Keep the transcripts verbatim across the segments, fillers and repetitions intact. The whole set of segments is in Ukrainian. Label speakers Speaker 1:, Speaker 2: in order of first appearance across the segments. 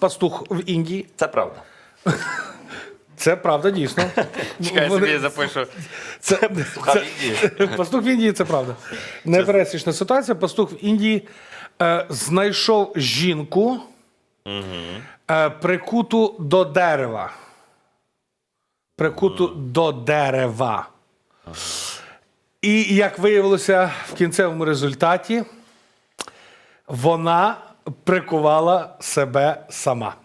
Speaker 1: пастух в Індії.
Speaker 2: Це правда.
Speaker 1: Це правда, дійсно.
Speaker 3: Чекай,
Speaker 1: Вони-
Speaker 3: собі запишу.
Speaker 1: Це,
Speaker 2: Пастуха в Індії.
Speaker 1: Пастух в Індії, це правда. Непересічна ситуація. Пастух в Індії е, знайшов жінку, е, прикуту до дерева. Прикуту до дерева. І, як виявилося в кінцевому результаті, вона прикувала себе сама.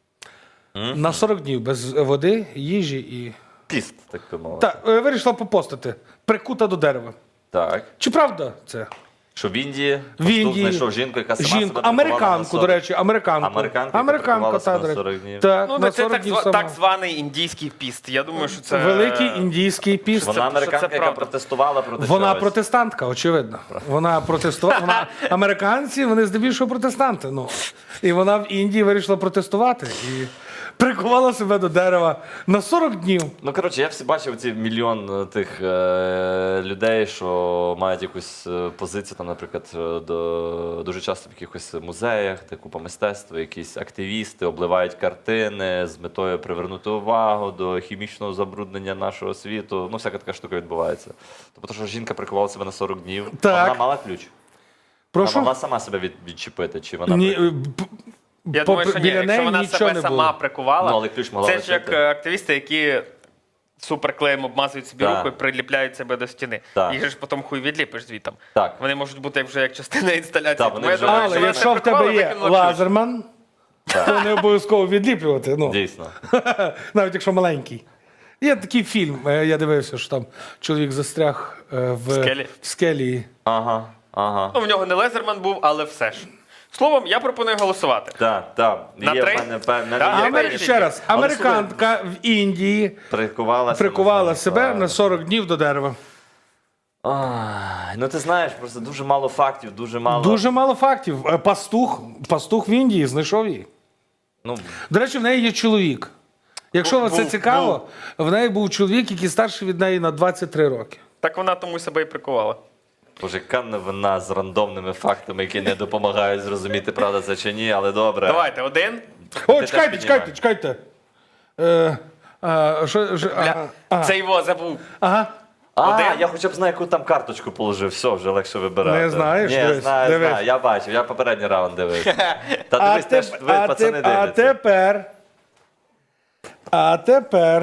Speaker 1: На сорок днів без води, їжі і...
Speaker 2: Піст, так би мовити.
Speaker 1: Так, е, вирішила попостити. Прикута до дерева.
Speaker 2: Так.
Speaker 1: Чи правда це?
Speaker 2: Що в Індії
Speaker 1: В
Speaker 2: пастух
Speaker 1: Індії
Speaker 2: знайшов жінку, яка сама
Speaker 1: жінку,
Speaker 2: себе прикувала на
Speaker 1: американку,
Speaker 2: сорок.
Speaker 1: до речі, американку.
Speaker 2: Американка, яка
Speaker 1: американка,
Speaker 2: прикувала
Speaker 1: та,
Speaker 2: себе
Speaker 1: до
Speaker 2: на
Speaker 1: речі.
Speaker 2: сорок днів.
Speaker 1: Так,
Speaker 3: Ну,
Speaker 1: на
Speaker 3: це
Speaker 1: сорок
Speaker 3: так,
Speaker 1: днів
Speaker 3: зва-
Speaker 1: сама.
Speaker 3: так званий індійський піст. Я думаю, що це...
Speaker 1: Великий індійський піст.
Speaker 2: Вона
Speaker 3: це
Speaker 2: американка, яка
Speaker 3: правда.
Speaker 2: протестувала проти
Speaker 1: Вона
Speaker 2: чогось.
Speaker 1: протестантка, очевидно. Вона протестувала. Вона американці, вони здебільшого протестанти. Ну і вона в Індії вирішила протестувати і прикувала себе до дерева на сорок днів.
Speaker 2: Ну, коротше, я всі бачив ці мільйон е, тих е, людей, що мають якусь е, позицію, там, наприклад, е, до, дуже часто в якихось музеях, де купа мистецтва, якісь активісти обливають картини з метою привернути увагу до хімічного забруднення нашого світу. Ну, всяка така штука відбувається. Тобто, що жінка прикувала себе на сорок днів, а
Speaker 1: Так.
Speaker 2: вона мала ключ.
Speaker 1: Прошу?
Speaker 2: Вона могла сама себе від, відчепити, чи вона
Speaker 1: Ні,
Speaker 2: при-
Speaker 1: е, п-
Speaker 3: Я
Speaker 1: попри-
Speaker 3: думаю, що ні.
Speaker 1: біля
Speaker 3: Якщо
Speaker 1: неї
Speaker 3: вона
Speaker 1: нічого
Speaker 3: себе
Speaker 1: не
Speaker 3: сама
Speaker 1: було.
Speaker 3: прикувала,
Speaker 2: Ну, але ключ могла
Speaker 3: це ж
Speaker 2: лишити.
Speaker 3: як е, активісти, які суперклеєм обмазують собі
Speaker 2: Так.
Speaker 3: руку і приліпляють себе до стіни.
Speaker 2: Так.
Speaker 3: Їх же ж потім хуй відліпиш звітом.
Speaker 2: Так.
Speaker 3: Вони можуть бути вже як частина інсталяції.
Speaker 2: Так,
Speaker 3: Тому
Speaker 2: вони
Speaker 3: я
Speaker 2: вже-
Speaker 3: думаю,
Speaker 1: Але
Speaker 3: що вона
Speaker 1: якщо
Speaker 3: себе
Speaker 1: в тебе
Speaker 3: прикувала,
Speaker 1: є
Speaker 3: викинула ключ.
Speaker 1: лазерман, то не обов'язково відліплювати. Ну,
Speaker 2: Дійсно.
Speaker 1: навіть якщо маленький. Є такий фільм, е, я дивився, що там чоловік застряг е, в,
Speaker 3: скелі?
Speaker 1: в скелі.
Speaker 2: Ага, ага.
Speaker 3: Ну, в нього не Лезерман був, але все ж. Словом, я пропоную голосувати.
Speaker 2: Так, так.
Speaker 3: На
Speaker 2: Є в
Speaker 3: три?
Speaker 2: мене певне.
Speaker 3: Так,
Speaker 2: є
Speaker 3: Амер-
Speaker 1: Амер...
Speaker 2: певні-
Speaker 1: Ще раз,
Speaker 2: Але,
Speaker 1: американка в Індії
Speaker 2: Прикувала,
Speaker 1: прикувала себе
Speaker 2: себе
Speaker 1: на сорок днів до дерева.
Speaker 2: Ай, ну ти знаєш, просто дуже мало фактів, дуже мало.
Speaker 1: Дуже мало фактів. Е, Пастух, пастух в Індії знайшов її.
Speaker 2: Ну,
Speaker 1: До речі, в неї є чоловік. Якщо вас це
Speaker 3: Був-
Speaker 1: цікаво, в неї був чоловік, який старший від неї на двадцять три роки.
Speaker 3: Так вона тому себе і прикувала.
Speaker 2: боже, яка новина з рандомними фактами, які не допомагають зрозуміти, правда це чи ні, але добре.
Speaker 3: Давайте, один.
Speaker 1: О,
Speaker 2: теж
Speaker 1: чекайте,
Speaker 2: піднімай.
Speaker 1: чекайте, чекайте. Е, а, що, що,
Speaker 3: Бля,
Speaker 1: ага, ага,
Speaker 3: це його забув.
Speaker 1: ага.
Speaker 2: А,
Speaker 3: Один?
Speaker 2: я хоча б знаю, яку там карточку положив, все, вже легше вибирати.
Speaker 1: Не знаєш?
Speaker 2: Ні,
Speaker 1: Дивись,
Speaker 2: знаю,
Speaker 1: дивись.
Speaker 2: знаю, я бачив, я попередній раунд дивився. Та
Speaker 1: А,
Speaker 2: дивись, теж
Speaker 1: теп-
Speaker 2: ви,
Speaker 1: а,
Speaker 2: пацани,
Speaker 1: теп- а
Speaker 2: дивляться.
Speaker 1: тепер. А тепер.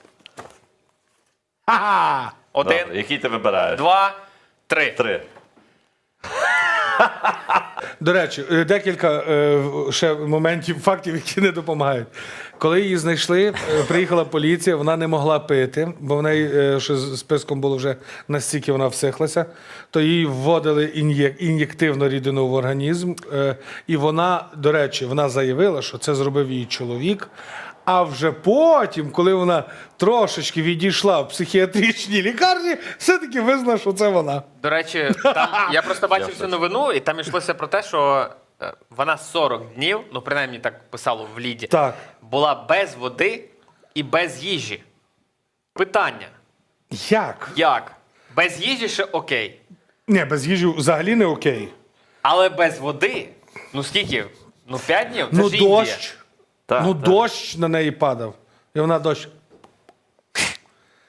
Speaker 1: Ха-ха!
Speaker 3: Один,
Speaker 2: Добре, який ти вибираєш?
Speaker 3: два, три.
Speaker 2: Три.
Speaker 1: До речі, е, декілька е, ще моментів, фактів, які не допомагають. Коли її знайшли, е, приїхала поліція, вона не могла пити, бо в неї е, ще з списком було вже настільки вона всихлася, то їй вводили ін'єк- ін'єктивну рідину в організм. е, І вона, до речі, вона заявила, що це зробив її чоловік. А вже потім, коли вона трошечки відійшла в психіатричній лікарні, все-таки визнала, що це вона.
Speaker 3: До речі, там я просто бачив цю новину, і там йшлося про те, що е, вона сорок днів, ну принаймні так писало в ліді,
Speaker 1: Так.
Speaker 3: була без води і без їжі. Питання:
Speaker 1: Як?
Speaker 3: як? Без їжі ще окей.
Speaker 1: Ні, без їжі взагалі не окей.
Speaker 3: Але без води? Ну скільки? Ну п'ять днів? Це
Speaker 1: Ну,
Speaker 3: ж Індія.
Speaker 1: дощ.
Speaker 2: Так,
Speaker 1: ну,
Speaker 2: так.
Speaker 1: дощ на неї падав. І вона дощ.